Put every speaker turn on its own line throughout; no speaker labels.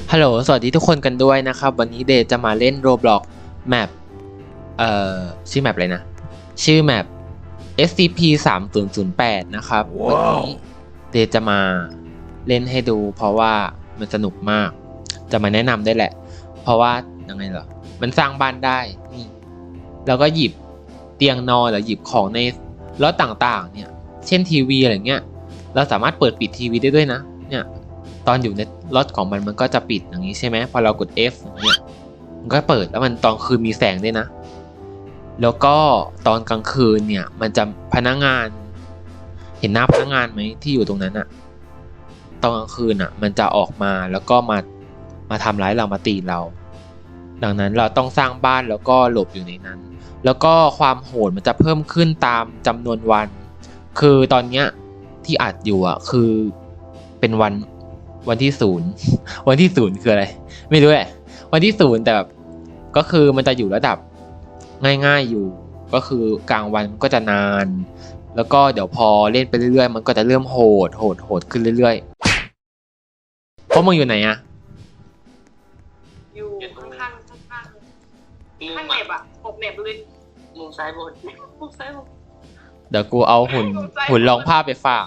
ฮัลโหลสวัสดีทุกคนกันด้วยนะครับวันนี้เดย์จะมาเล่น Roblox แมปชื่อแมปอะไรนะชื่อแมป SCP-3008 นะครับ วันนี้เดย์จะมาเล่นให้ดูเพราะว่ามันสนุกมากจะมาแนะนำได้แหละเพราะว่ายังไงเหรอมันสร้างบ้านได้นี่แล้วก็หยิบเตียงนอนหรือหยิบของในรถต่างๆเนี่ยเช่นทีวีอะไรเงี้ยเราสามารถเปิดปิดทีวีได้ด้วยนะเนี่ยตอนอยู่ในรถของมันก็จะปิดอย่างนี้ใช่ไหมพอเรากด F อย่างเงี้ยมันก็เปิดแล้วมันตอนคืนมีแสงด้วยนะแล้วก็ตอนกลางคืนเนี่ยมันจะพนักงานเห็นหน้าพนักงานไหมที่อยู่ตรงนั้นอะตอนกลางคืนอะมันจะออกมาแล้วก็มาทำร้ายเรามาตีเราดังนั้นเราต้องสร้างบ้านแล้วก็หลบอยู่ในนั้นแล้วก็ความโหดมันจะเพิ่มขึ้นตามจำนวนวันคือตอนเนี้ยที่อัดอยู่อ่ะคือเป็นวันที่ศูนย์วันที่ศูนย์คืออะไรไม่รู้แหละวันที่ศูนย์แต่แบบก็คือมันจะอยู่ระดับง่ายๆอยู่ก็คือกลางวันก็จะนานแล้วก็เดี๋ยวพอเล่นไปเรื่อยๆมันก็จะเริ่มโหดขึ้นเรื่อยๆเพราะมึงอยู่ไหนอ่ะ
อยู่ข้างเน็บอ่ะปกเน็บเลยมุมซ้ายบนมุมซ้ายบน
เดี๋ยวกูเอาหุ่นรองผ้าไปฝาก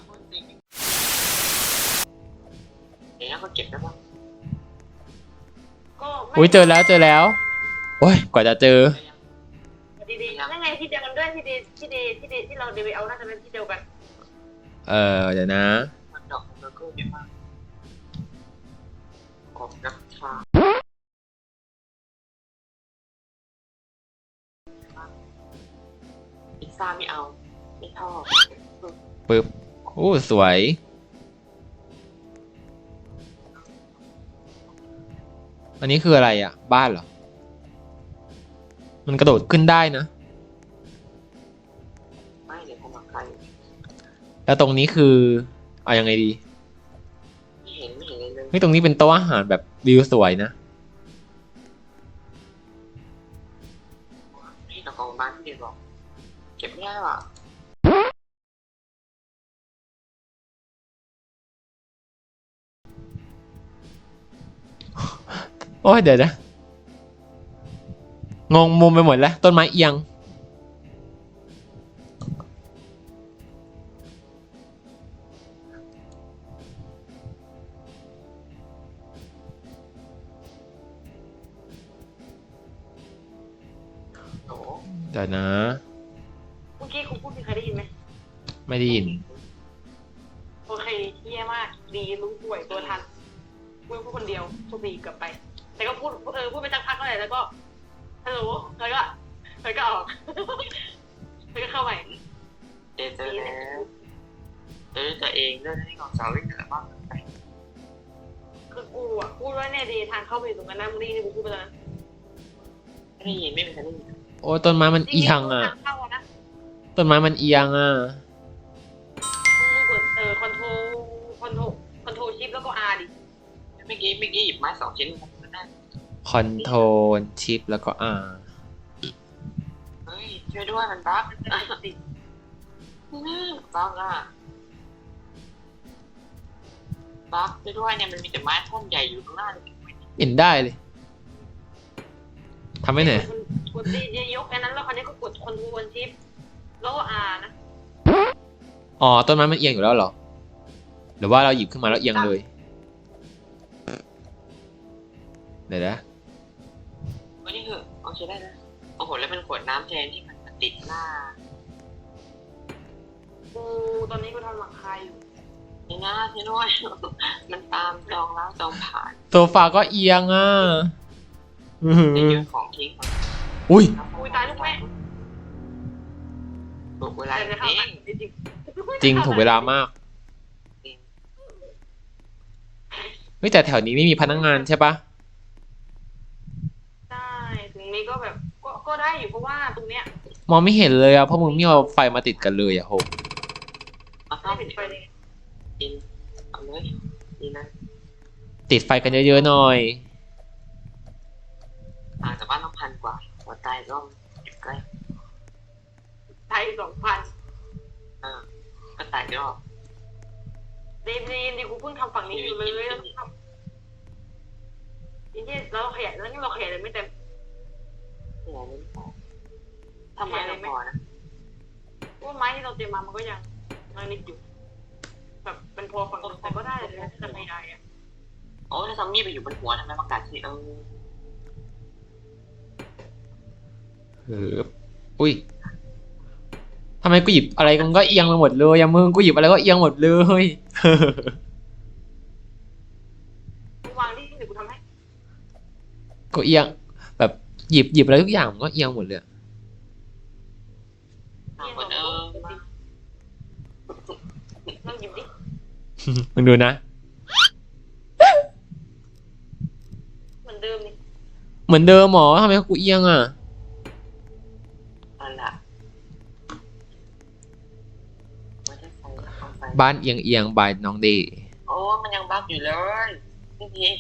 เดี๋ยวเขาเก็บได้ปะ
อุ้ยเจอแล้วโอ้ยกว่าจะเจอ
ดีๆนั่นไงที่เดียวกันด้วยที่ดีที่เราเดี๋ยวไปเอาน่าจะเป็นที่เดียวกัน
เดี๋ยวนะ
มันดอกแล้วก็เดี๋ยวมาออกนักชาพิซซ่าไม่เอาไม่ชอบ
ปึ๊บโอ้สวยอันนี้คืออะไรอ่ะบ้านเหรอมันกระโดดขึ้นได้นะ
ไม่เดี๋ยวผมมาใคร
แล้วตรงนี้คือเอายังไงดี
ไม่เห็นเลย
เฮ้ยตรงนี้เป็นโต๊ะอาหารแบบวิวสวยนะ
นี่เราของบ้านที่เดียวบอกเก็บไม่ได้ว่ะ
โอ้ยเดี๋ยวนะงงมุมไปหมดแล้วต้นไม้เอียงเดี๋ยวนะ
เมื่อกี้คุณพูดมีใครได้ยินไหม
ไม่ได้ยิน
โอเคเยี่ยมากดีรู้ป่วยตัวทันพูดคนเดียวโชคดีเกือบไปแต่ก็พูดไปสักพักเลยแล้วก็ฮัลโหลแล้วก็ออกแล้วก็เข้าใหม่เจอแล้วตัวเองด้วยที่ของสาววิ่งเหนือมากคือกูอ่ะพูดว่าเนี่ยดีทางเข้าไปตรงนั้นนะมึงได้ยินกูพูดไปแล้วไม่ได้ยินไม่มีใครได้ยิน
โอ้ต้นไม้มันเอียงอ่ะต้นไม้มันเอียงอ่ะ
มึงกดคอนโทรชิปแล้วก็ R ดิเมื่อกี้หยิบไม้2 ชิ้นนั่น
คอนโทรลชิปแล้วก็ R
เฮ้ยช่วยด้วยมันบั๊กบั๊กอ่ะบั๊กช่วยด้วยเนี่ยมันมีแต่ไม้ท่อนใหญ่อยู่ข้างหน้าเลย
เห็นได้เลยทำไม่เหนื่อย
กดดียกอันนั้นแล้วคราวนี้ก็กดคอนโทรลชิปแล้วก็ R นะ
อ๋อต้นไม้มันเอียงอยู่แล้วเหรอหรือว่าเราหยิบขึ้นมาแล้วเอียงเลยเดี๋ยวนะ
วันนี้คือโอเคได้นะโอ้โหแล้วเป็นขวดน้ำแทนที่มันติดหน้าตอนนี้กูทำหลังคาอยู่นี่นะช่วยด้วยมันตามจองแล้วจองผ่าน
โซฟาก็เอียงอ่ะ
จะยืนของทิ้ง
อุ้ย
ตายลูกแม่ถูกเวลา
จริงถูกเวลามากเฮ้ยแต่แถวนี้ไม่มีพนักงานใช่ปะ
ใช่ตรงนี้ก็แบบก็ได้อยู่เพราะว่าตรงเนี้ย
มองไม่เห็นเลยอ่ะเพราะมึงไม่เอาไฟมาติดกันเลยอ่ะโห
ไม่ติดไฟเลยกินเอาเลยดีนะ
ติดไฟกันเยอะๆหน่อย
แต่บ้านต้อง1,000 กว่าหัวใจก็ใกล้ไทย2,000ก็ตายก็ดีกูเพิ่งทำฝั่งนี้อยู่เลยที่เราขยายแล้วนี่เราขยายเลยไม่เต็ม
ขยายไม่พอทำไมไม่พอนะ
เพราะไม้ที่เราเตรียมมามันก็ยังนิดอยู่แบบเป็นพอฝั่งแต่ก็ได้เลยจะขยายอ่ะ
โอ้ถ้าซอมบี้ไปอยู่บนหัวทำไมประกาศสิ
อุ้ยทำไมกูหยิบอะไรมันก็เอียงไปหมดเลยอะมึงกูหยิบอะไรก็เอียงหมดเลย
วางที่เดี๋ยวกูทำให้
ก็เอียงแบบหยิบอะไรทุกอย่างมันก็เอียงหมดเลย
ทำเหมือน
ลองหยิบดิ
มึงดูนะ
เหมือนเดิมนี่
เหมือนเดิมหมอทำไมกูเอียงอ่ะ
นั่นแหละไม่ได้ไฟเอาไฟ
บ้านเอียงบายน้องเดย์
โอ้มันยังบั๊กอยู่เลยนี่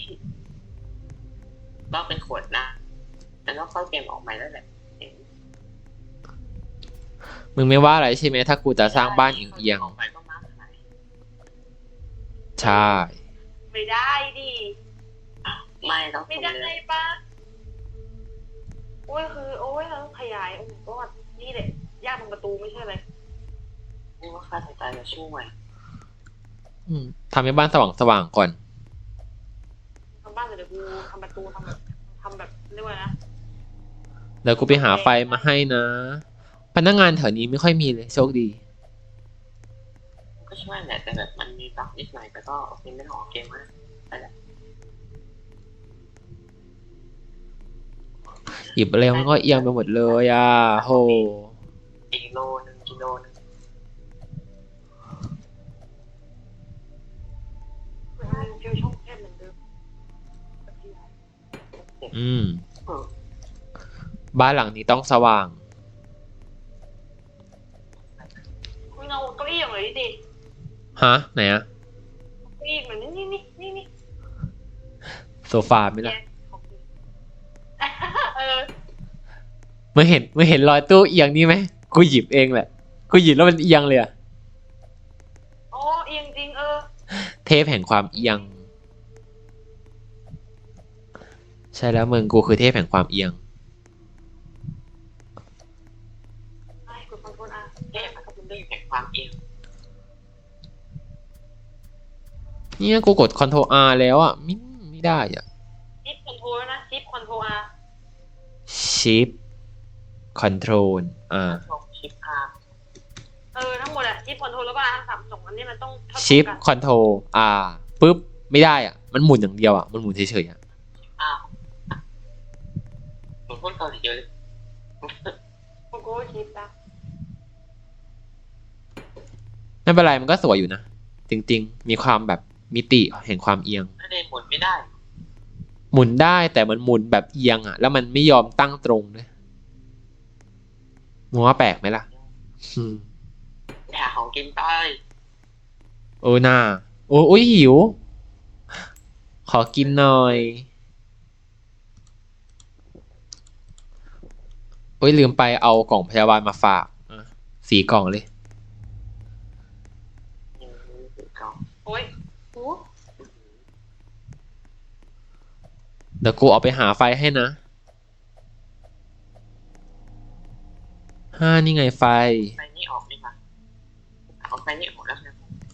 บั๊กเป็นขวดนะแล้วก็ค่อยเกมออกใหม่แล้วแหละ
มึงไม่ว่าอะไรใช่ไหมถ้ากูจะสร้างบ้านเอียง
ออกไปก็มาร์คไหน
ใช่
ไม่ได้ดิ
ไม่ต้อง
ไม่ได้ปะโอ้ยคือโอ้ยเราต้องขยายโอ้ก็นี่แหละยากตรงประตูไม่ใช่เลย
นี่ว่าค่าสายตาจะช่วย
ทำให้บ้านสว่างก่อน
ทำบ้านเดี๋ยวกูทำประตูทำแบบเรียกว่านะ
แล้วกูไปหาไฟมาให้นะ พนักงานแถวนี้ไม่ค่อยมีเลยโชคดี
ก็ช่วยแหละแต่แบบมันมีบั๊กนิดหน่อยแต่ก็โอเคไม่ต้องออกเกมมากไปแหละ
หยิบอะไรมันก็เอียงไปหมดเลยอ่ะโห
อีกกิโลนึง
มันฟิวช่องแคบเหมือนเดิม
บ้านหลังนี้ต้องสว่าง
มึงเอาเก้าอี้อย่างไรดิ
ฮะ ไหนอะ
เก้าอี้เหมือนนี่
โซฟาไหมล่ะ
เออ
มึงเห็นรอยตู้เอียงนี่ไหมกูหยิบเองแหละกูหยิบแล้วมันเอียงเลยอะ
โอ้เอียงจริง
เทพแห่งความเอียง ใช่แล้วมึงกูคือเทพแห่งความเอียง
ไอ้กดคอนโทรลอาร์
เอ๊ะมันก็เป็นเรื่องแห่งความเอียง
เนี่ยกูกด Ctrl R แล้วอ่ะไม่ได้อ่ะ
ชิปคอนโทรลนะชิปคอนโทรลอาร์
Shift Control R
ชิปพา
ทั้งหมดอะชิปคอนโทรลแล้วก็อาร์ทั้ง3 2อันนี้มันต้องเท่า
Shift
กัน
Control R ปุ๊บไม่ได้อ่ะมันหมุนอย่างเดียวอ่ะมันหมุนเฉยๆอ่ะ
หนูพูดเกาหลีเยอะเลย
โกโก้ชิปนะ
ไม่เป็นไรมันก็สวยอยู่นะจริงๆมีความแบบมิติแห่งความเอียง
ไม่ได้หมุนไม่ได้
หมุนได้แต่มันหมุนแบบเอียงอ่ะแล้วมันไม่ยอมตั้งตรงด้วยมึงว่าแปลกไหมล่ะ
หาของกินไป
โอ้น่าโอ้ยหิว ขอกินหน่อยโอ้ยลืมไปเอากล่องพยาบาลมาฝาก4 กล่องเลย
โอ้ยโอ้
เดี๋ยวกูเอาไปหาไฟให้นะนี่ไงไฟ
ไฟนี่ออกดีกว่าเอาไฟนี่ออกแล้วนะ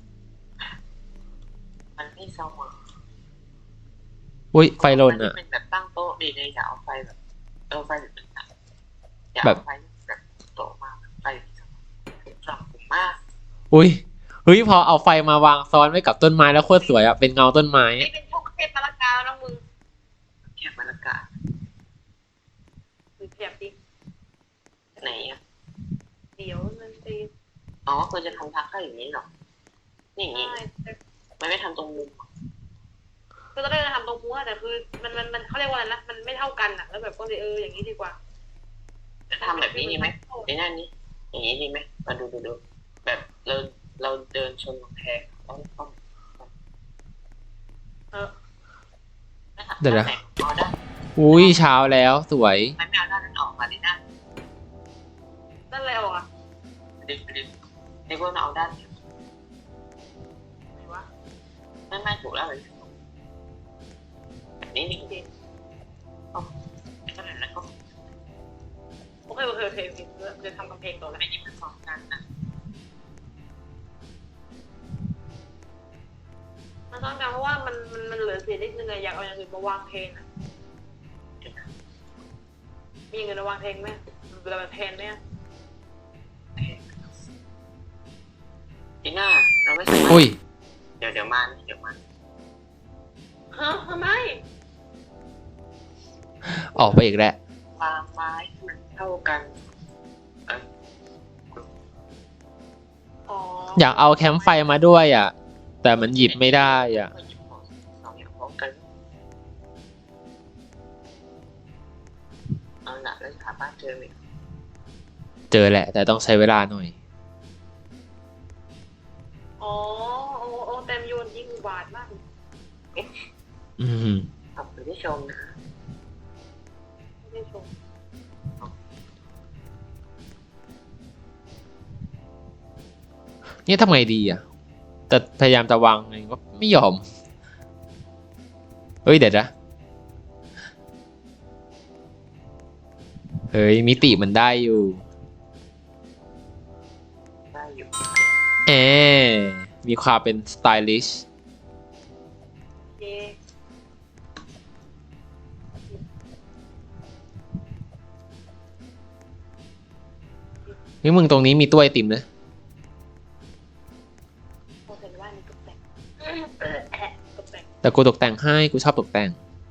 มันไม่สว่าง
อุ้ยไฟหล่นอ่ะ
เป็นแบบตั้งโต๊ะดีเลยอย่าเอาไฟแบบไฟแบบเป็นอย่าเอาไฟแบบโต๊ะมาไฟสว่างมาก
อุ้ยเฮ้ยพอเอาไฟมาวางซ้อนไว้กับต้นไม้แล้วโคตรสวยอ่ะเป็นเงาต้นไม้
นี่เป็นพวกเทพมะละกานะมึง
แค่บรรยากาศ
หรือเทียบดิ
ไหนอ่ะ
เดี๋ยวมันตี
อ๋อควรจะทำทักให้อย่างนี้หรอนี่อย่างนี้
ใช่
มันไม่ทำตรงมุม
ก็จะได้ทำตรงหัวแต่คือมันเขาเรียกว่าอะไรนะมันไม่เท่ากันอะแล้วแบบก็เลยอย่างนี้ดีกว่า
จะทำแบบนี้ดีไหมในหน้านี้อย่างนี้ดีไหมมาดูแบบเราเดินชนกำแพงต้อง
เดี๋ยวนะ
เอาได้
อุ้ยเช้าแล้วสวย
มันไม่เอาด้านนั้นออกมาดิหน้า
นั่นอะไรออกอะ
ดึงในพวกเราเอาด้าน
ไหนวะ
ไม่ถูกแล้วเลยแบบนี้นี่
โอเค
ก็ขนาดนั้นก็
โอเคจะทำกำแพงต่อแล้ว
ไม่ได้เป็นสองกันนะ
มันต้องการเพราะว่ามันเหลือเศษนิดนึงอะอยากเอาอย่างอื่นมาวางแทนอะมีเงินมาวางแทนไหมเวลามันแทนไหม
ทีหน้าเราไม่สามารถ
อุ้ย
เดี๋ยวมาเดี๋ยวมา
ฮะทำไม
ออกไปอีกแล้ว
วางไม้ให้มันเท่ากัน
อ๋อ
อยากเอาแคมป์ไฟมาด้วยอ่ะ แต่มันหยิบไม่ได้อ่ะ
ก็หยิบของสองอย่างพร้อมกันเอาละแล้วหาบ้านเจอไหม
เจอแหละ แต่ต้องใช้เวลาหน่อย
อ๋อโอ้เต็มโยนยิ่งอุบาทมาก
อืม
ขอบคุณที่ชมนะ
ไม่ได้ชม
เนี่ยทำไงดีอ่ะ แต่พยายามจะวางไงก็ไม่ยอม เฮ้ยเดี๋ยวนะ เฮ้ยมิติมันได้อยู่
ได้อยู่
เอมีความเป็นสไตลิช
โอเค
นี่มึงตรงนี้มีตู้ไอติมนะ
โอเคว่านี่ตกแต่งตกแต่ง
แต่กูตกแต่งให้ กูชอบตกแต่ง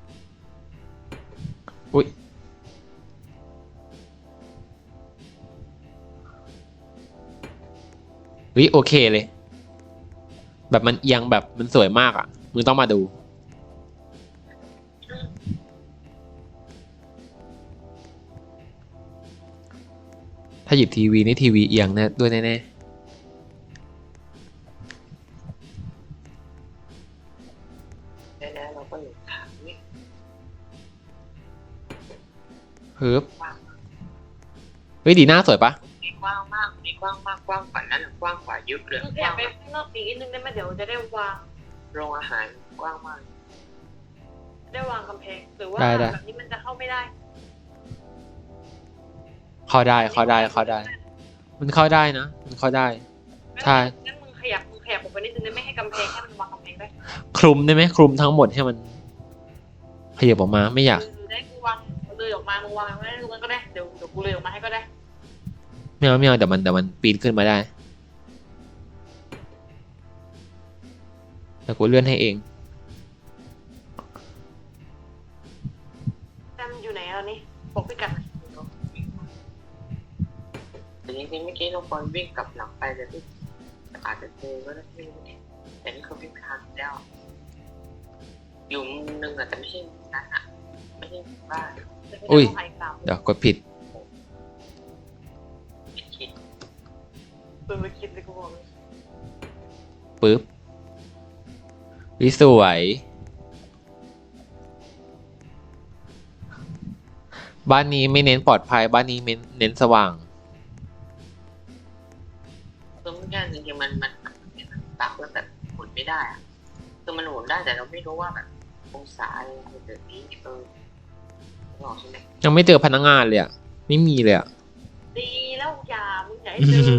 อุ้ยเฮ้ยโอเคเลย แบบมันเอียงแบบมันสวยมากอ่ะ มึงต้องมาดู ถ้าหยิบทีวีนี่ทีวีเอียงแน่ด้วยแน่
แล้วเราก็อยู่ทางนี้
ๆฮึบเฮ้ยดีหน้าสวยปะ
มีกว้างมากมีกว้างมากกว้างกว่านั้นกว้างกว่ายุบเลย
มึงขยับไปข้างนอกอีกนิดนึงได้ไหมเดี๋ยวจะได้วาง
โรงอาหารกว้างมาก
ได้วางกำแพงหรือว่า
ได้
แบบนี้มันจะเข้าไม่ได้
เข้าได้เข้าได้เข้าได้ มันเข้าได้นะ มันเข้าได้ ใช่
งั้นมึงขยับออกไปนิดนึงได้ไหมให้กำแพงให้มันวางกำแพงได้
คลุมได้ไหมคลุมทั้งหมดให้มันขยับออกมาไม่อยาก
ได้กูวางเลยออกมามึงวางไว้ตรงนั้นก็ได้เดี๋ยวกูเลยออกมาให้ก็ได้
ไม่เอาเดี๋ยวมันปีนขึ้นมาได้แต่กูเลื่อนให้เอง
แต่มันอยู่ไหนแล้วนี่บอกพี่กัด
แต่จริงๆเมื่อกี้เราควรวิ่งกลับหลังไปแต่ที่อาจจะเจอก็ได้ไม่รู้เนี่ยแต่นี่เขาวิ่งทางแล้วอยู่มุมนึงอะแต่ไม่ใช่มุมนั้นอะไม่ใช่บ้าน
อุ้ย
เดี๋
เดี๋ยวกดผิด
คิด
เปิดไปคิดเลยกูบอกเลย
ปึ๊บวิสวย บ้านนี้ไม่เน้นปลอดภัย บ้านนี้เน้นสว่าง
คือเมื่อกี้จริงๆมันตักแล้วแบบหมุนไม่ได้อะคือมันหมุนได้แต่เราไม่รู้ว่าแบบองศาอะไรแบบนี้หลอกใช่ไหม
ยังไม่เจอพนักงานเลยอ่ะ ไม่มีเลยอ่ะ
ดีแล้วอย่ามึงอย่าให้เจอบ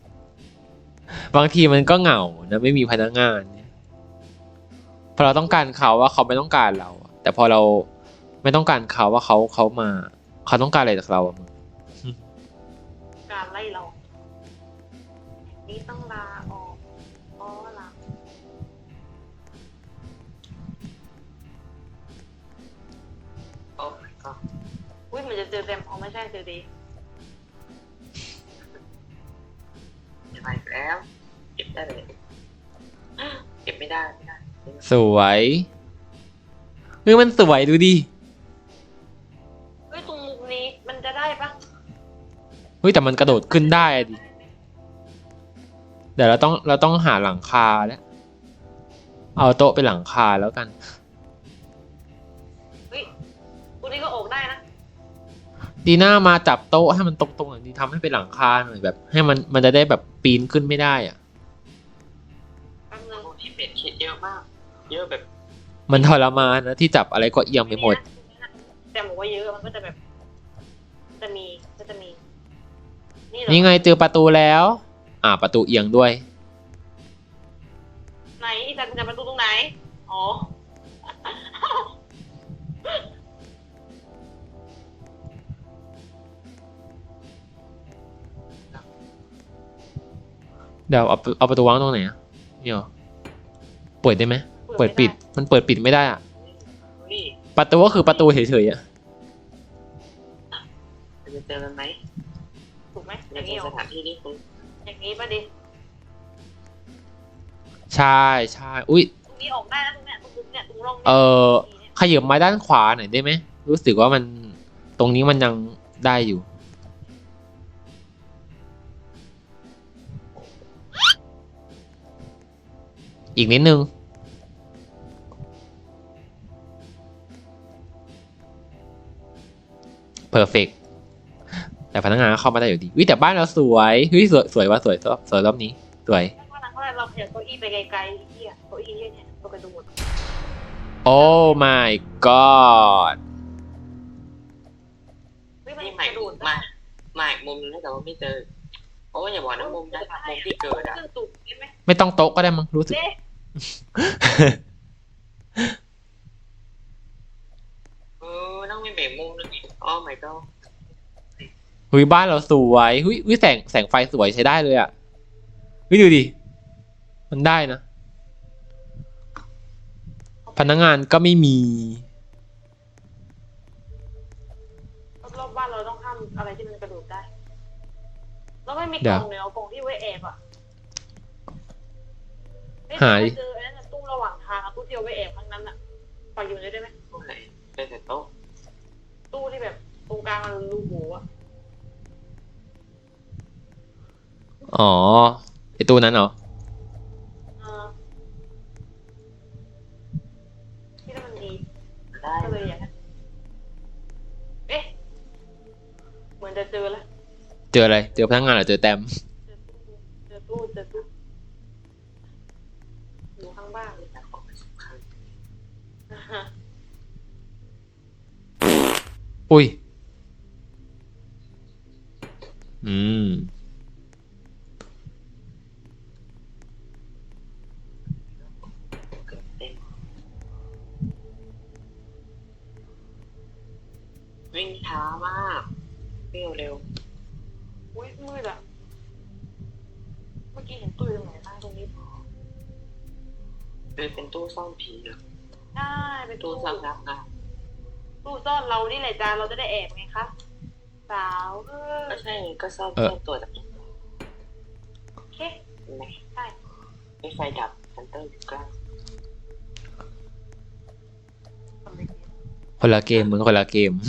างทีมันก็เหงานะไม่มีพนักงานเนี่ยพอเราต้องการเขาว่าเขาไม่ต้องการเราอะแต่พอเราไม่ต้องการเขาว่าเขามาเขาต้องการอะไรจากเราอะมึง
การไล่เรานี่ต้องลาออกอ๋อลา
โอ้ยก็
อุ้ยมันจะเจอเต็มอ๋อไม่ใช่เจอดี
จะไปแล้วเก็บได้เลยเก็บไม่ได้
สวยเฮ้ยมันสวยดูดิ
เฮ้ยตรงมุมนี้มันจะได้ปะ
เฮ้ยแต่มันกระโดดขึ้นได้อะดิเดี๋ยวเราต้องหาหลังคาแล้วเอาโต๊ะเป็นหลังคาแล้วกัน
เฮ้ยตรงนี้ก็ออกได้นะ
ดีน่ามาจับโต๊ะให้มันตรงๆหน่อยดีทำให้เป็นหลังคาหน่อยแบบ ให้มันจะได้แบบปีนขึ้นไม่ได้อ่ะ
แป๊บนึง
โอ้ที่เป็ดเขียนเยอะมาก เยอะแบบ
มันทรมานนะที่จับอะไรก็เอียงไปหมด
แต่บอกว่าว่าเยอะมันก็จะแบบจะมีนี่เหรอ
นี่ไงเจอประตูแล้ว ประตูเอียงด้วย
ไหนอีจันจะประตูตรงไหนอ๋อ
เดี๋ยวเอาประตูวางตรงไหนอ่ะเนี่ยเหรอเปิดได้ไหมเปิดปิด มันเปิดปิดไม่ได้อ่ะ
นี่
ประตูก็คือประตูเฉยๆอ่ะ
จะเจอกันไหม
ถูกไหมอ
ใน
ย่างนี้เหร
ส
อ
ถานที่ที่คุณ
อย่างนี้ป่ะดิ
ใช่ใช่อุ้ย
ตรงนี้ออกได้นะตรงเนี้ยตรงเนี่ยตรงร่อง
ขยับมาด้านขวาหน่อยได้ไหมรู้สึกว่ามันตรงนี้มันยังได้อยู่ อีกนิดนึง perfect แต่พนักงานก็เข้ามาได้อยู่ดีวิแต่บ้านเราสวยเฮ้ยสวยว่ะสวยรอบนี้สวย
ถ้านั้นเราขยับเก้าอี้ไปไกลๆที่เก้าอี้เนี่ยตัวกระโดด
โอ้ my god
ไม่มัน
นี่
ก
ใหม่
ระโดด
มาอีกมุมนึงแต่ว่าไม่เจอเพราะว่าอย่าบอกนะมุมนั้นมุมที่เกิดอ่ะ
เครื่องตุกได้ไหม
ไม่ต้องโต๊ะก็ได้มั้งรู้สึก
เด้
ต้องมีเบรกมุมนึงอีกอ๋อไม่ก็
หุยบ้านเราสวยหุยแสงไฟสวยใช้ได้เลยอ่ะหุยดูดิ มันได้นะ พนักงานก็ไม่มี
รอบบ้านเราต้องห้ามอะไรที่มันกระโดดได้แล้วไม่มีก
เดี๋
ล่
ยว
องเนาะกล่องที่ไว้แอบอ่ะ
หาดิ
เจอไอ้นั่นตู้ระหว่างทางตู้ที่เอาไว้แอบข้างนั้นอ่ะปล่อยอยู่ได้ไหม
ตรงไหนเป็นแต่โต๊ะ
ตู้ที่แบบตรงกลางมันรูโหว่อ่ะ
อ๋อไอตัวนั้นเหรอ
ที่นั่นมันดี
ได้
ก็เลยอยากเอ๊ะเหมือนจะเจอแล้ว
เจออะไร เจอพนักงานหรือเจอแต้ม
เจอตู้อยู่ข้างบ้าน
แต่ของมันสำคัญ
อุ้ย
เกิดเต็มวิ่งช้ามากวิ่งเร็ว
อุ้ยมืดอ่ะเมื่อกี้เห็นตู้อยู่ตรงไหนบ้างตรงนี้
เป็นตู้ซ่อนผีเหรอ
ใช่เป็น
ตู้
ตู้
ซ่อนรักนะ
ตู้ซ่อนเรานี่แหละจ้าเราจะได้แอบไงคะสาว
ก็ใช่ก็ซ่อนตัวจาก
โอเค
ไหน
ใช่
มีไฟดับฮันเตอร์อยู่ใกล้
คนละเกมมึงคนละเกม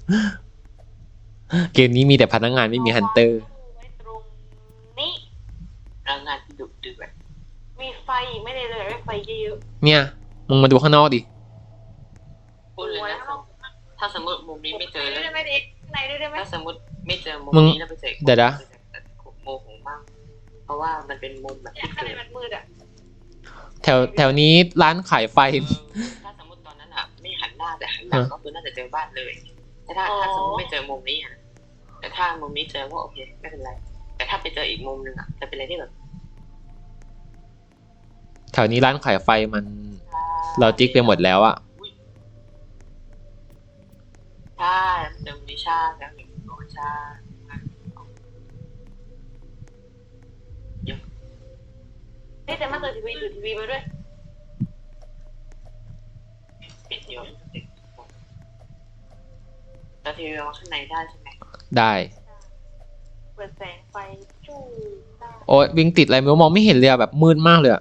เกมนี้มีแต่พนักงานไม่มีฮันเตอร์
ไว้ตรงนี้
แรงงานที่ดุเดือด
มีไฟอีกไม่ได้เลยไม่ไฟเยอะ
เนี่ยมึงมาดูข้างนอกดิ
พูดเลยนะถ้าสมมติมุมนี้ไม่เจอ
ได้
แล้ว
ไหมเด็กไหนได้ไหม
ถ้าสมมติไม่เจอมุม
มึง
นี้แล้วไปเจอ
เดี๋ยวนะ
โมโหมากเพราะว่ามันเป็นมุมแบบ
เนี่ย
ที่
ข้าง
เกิ
ใน
ด
มันมืดอ่ะ
แถวนี้ร้านขายไฟ
ถ้าสมมติตอนนั้นอ่ะไม่หันหน้าแต่หันหลังก็คือน่าจะเจอบ้านเลยแต่ถ้าสมมติไม่เจอมุมนี้อ่ะแต่ถ้ามุมนี้เจอก็โอเคไม่เป็นไร แต่ถ้าไปเจออีกมุมนึงอ่ะจะเป็นอะไรที่แบบ
แถวนี้ร้านขายไฟมันเราจิกไปหมดแล้วอะ
ใช่เจอมุมนี้ชาแล้วเห็นโอ้ชา
นี่แต่มาเจอทีวีดูทีวีมาด้วย
ปิดโยนแต่ทีวีวางข้างในได้ใช่ไหม
ได้
เปิดแสงไฟจู้ได้
โอ้ยวิ่งติดอะไรไม่รู้มองไม่เห็นเลยอะแบบมืดมากเลยอะ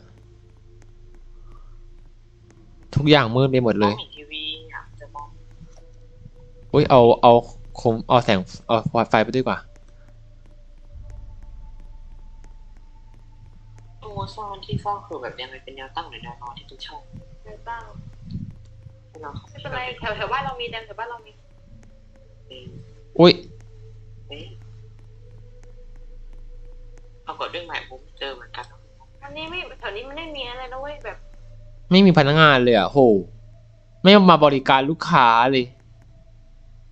ทุกอย่างมืดไปหมดเลย
เห็นทีวีอ่ะจะมอง
อุ้ยเอาแสงเอาไฟไปด้วยกว่า
ตัวซ่อนที่ซ่อนคือแบบยังไงเป็นแนวตั้งหรือแนวนอนที่ตุ้ชอบ
ไม่ตั้ง
ให้เราเข้า
ไม่เป็นไรแถวบ้านเรามีแถวบ้านเรามี
อุ้ย
ปรากฏเรื่องใหม่ผมเจอเหมือนกัน
อันนี้ไม่แถวนี้มันไม่มีอะไรนะเว้ยแบบ
ไม่มีพนักงานเลยอะโหไม่มาบริการลูกค้าเลย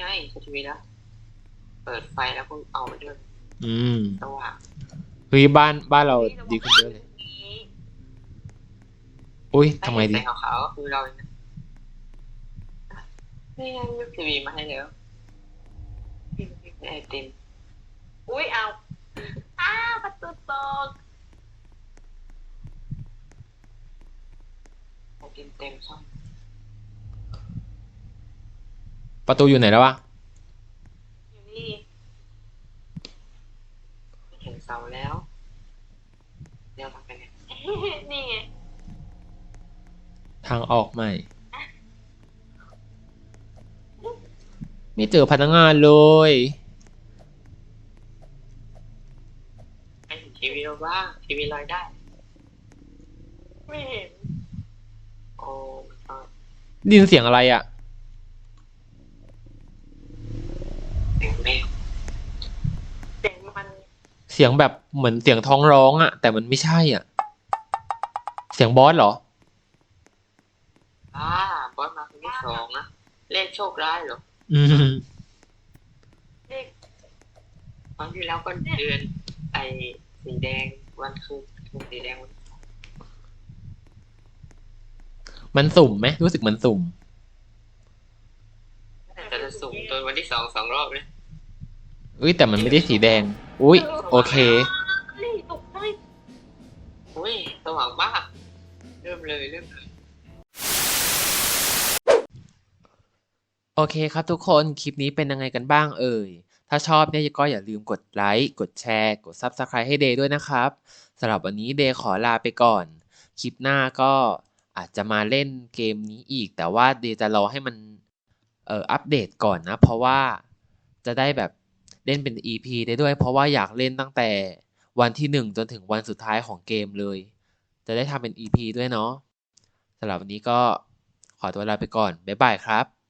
ไงทีวีแล้วเปิดไฟแล้วก็เอาไปด้วย
อืม
สว่าง
เฮ้ยบ้านเราดีขึ้นเยอะเลย อุ้ยทำไงดี
แสงขาวๆก็คือเราเนี่ยนี่ไงยกทีวีมาให้แล้วไอติม
อุ้ยเอาประตูตก
ไอติมเต็มช่อง
ประตูอยู่ไหนแล้ววะ
อยู่นี่
เห็นเสาแล้วเดี๋ยวทำไปเนี่ย
นี่ไง
ทางออกใหม่ ไม่เจอพนักงานเลย
ไอทีวีเราบ้างทีวีลอยได้
ไม่เห็น
โอ้ก็
ได้ยินเสียงอะไรอ่ะ
เสียงแมว
เสียงมัน
เสียงแบบเหมือนเสียงท้องร้องอ่ะ แต่มันไม่ใช่อ่ะ เสียงบอสเหรอ
บอสมาคนที่สองนะเลขโชคร้ายเหรอ
อืม
เด็ก
ครั้งที่แล้วก็เดือนไอสีแดงวันคืนสีแดงวัน
มันสุ่มไหมรู้สึกมันสุ่ม
แต่จะสูงตัววันที่สองรอบเลย
อุ้ยแต่มันไม่ได้สีแดง อุ้ยโอเค
เฮ้ยตกใจ
อุ้ยสว่างมากเริ่มเลย
โอเคครับทุกคนคลิปนี้เป็นยังไงกันบ้างเอ่ย ถ้าชอบเนี่ยก็อย่าลืมกดไลค์กดแชร์กด Subscribe ให้เดย์ด้วยนะครับสำหรับวันนี้เดย์ขอลาไปก่อน คลิปหน้าก็อาจจะมาเล่นเกมนี้อีก แต่ว่าเดย์จะรอให้มันอัปเดตก่อนนะ เพราะว่าจะได้แบบเล่นเป็น EP ได้ด้วย เพราะว่าอยากเล่นตั้งแต่วันที่1จนถึงวันสุดท้ายของเกมเลย จะได้ทำเป็น EP ด้วยเนาะสำหรับวันนี้ก็ขอตัวลาไปก่อนบ๊ายบายครับ